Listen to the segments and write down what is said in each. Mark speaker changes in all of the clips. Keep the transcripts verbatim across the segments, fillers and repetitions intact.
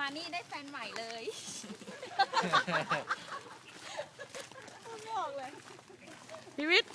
Speaker 1: มานี่ได้แฟนใหม่เลยไม่ออกเลยพีวิทย์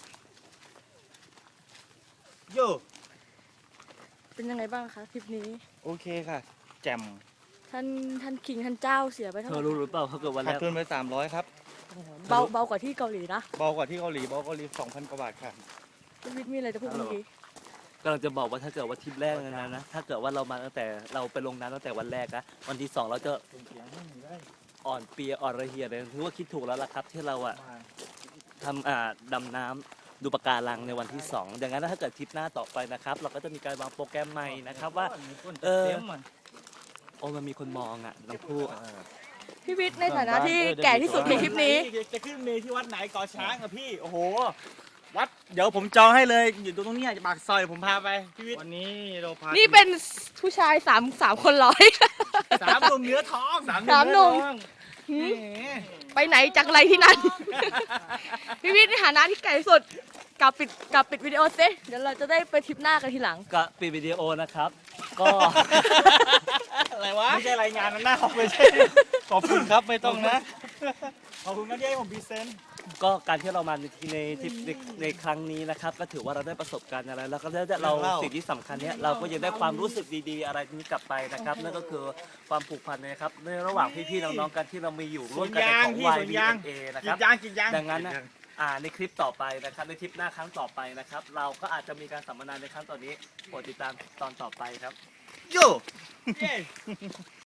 Speaker 2: โย่
Speaker 1: เป็นยังไงบ้างคะทริปนี้
Speaker 2: โอเคค่ะ แจ่ม
Speaker 1: ท่านท่านคิงท่านเจ้าเสียไปเท่า
Speaker 3: เธ
Speaker 1: ไห
Speaker 3: อ
Speaker 1: ร่
Speaker 3: รู้หรือเปล่าเขาเกิดวันแร
Speaker 2: ขาด
Speaker 3: ก
Speaker 2: ทุนไปสามร้อยครับ
Speaker 1: เบาเบากว่าที่เกาหลีนะ
Speaker 2: เบากว่าที่เกาหลีเบากว่าเกาหลีสองพันกว่าบาทค่ะ
Speaker 1: พีวิทย์มีอะไรจะพูดเมื่อกี้
Speaker 3: กำลังจะบอกว่าถ้าเกิดว่าทริปแรกนะนะถ้าเกิดว่าเรามาตั้งแต่เราไปลงน้ำตั้งแต่วันแรกนะวันที่สองเราจะอ่อนเปียอ่อนระเหียเลยถือว่าคิดถูกแล้วล่ะครับที่เราอะทำอ่าดำน้ำดูปะการังในวันที่สองดังนั้นถ้าเกิดทริปหน้าต่อไปนะครับ เราก็จะมีการวางโปรแกรมใหม่นะครับว่าเออโอ้มันมีคนมองอ่ะน้องผู้
Speaker 1: พี่วิทย์ในฐานะที่แก่ที่สุดในทริปนี้
Speaker 2: จะขึ้นเมที่วัดไหนก่อช้างอะพี่ โอ้โห วัด เดี๋ยวผมจองให้เลย อยู่ตรงนี้ปากซอยผมพาไป พี่วิทย์ วันนี้เราพา
Speaker 1: นี่เป็นผู้ชายสามสามคนร้อย
Speaker 2: สามหนุ่มเนื้อทองสาม
Speaker 1: สามหนุ่ม
Speaker 2: เอทอง
Speaker 1: หืม
Speaker 2: แหม
Speaker 1: ไปไหนจากไรที่นั่น พี่วิทย์ในฐานะที่แก่ที่สุดกลับปิดกลับปิดวิดีโอซิเดี๋ยวเราจะได้ไปทริปหน้ากันทีหลัง
Speaker 3: ก็ปิดวิดีโอนะครับ ก็
Speaker 2: อะไรวะ ไม่ใช่รายงานนะหน้าไม่ใช่ ขอบคุณครับไม่ต้องนะ ขอบคุณนะที่ให้ผมพรีเซนต์
Speaker 3: ก็การที่เรามาในในทริปในในครั้งนี้นะครับ ก็ถือว่าเราได้ประสบการณ์อะไรแล้วก็ได้เราสิ่งที่สำคัญเนี้ยเราก็ยังได้ความรู้สึกดีๆ อะไรนี้กลับไปนะครับนั่นก็คือความผูกพันนะครับในระหว่างพี่ๆน้องๆกันที่เรามีอยู่ร่วมกันในของ
Speaker 2: พี่
Speaker 3: วาย
Speaker 2: สวน
Speaker 3: บี
Speaker 2: ยาง
Speaker 3: เอนะ
Speaker 2: กิ
Speaker 3: ครับ
Speaker 2: นยางกินยาง
Speaker 3: ดังนั้นนะอ่าในคลิปต่อไปนะครับในทริปหน้าครั้งต่อไปนะครับ เราก็อาจจะมีการสัมมนาในครั้งต่อนนี้โปรดติดตามตอนต่อไปครับ
Speaker 2: โย่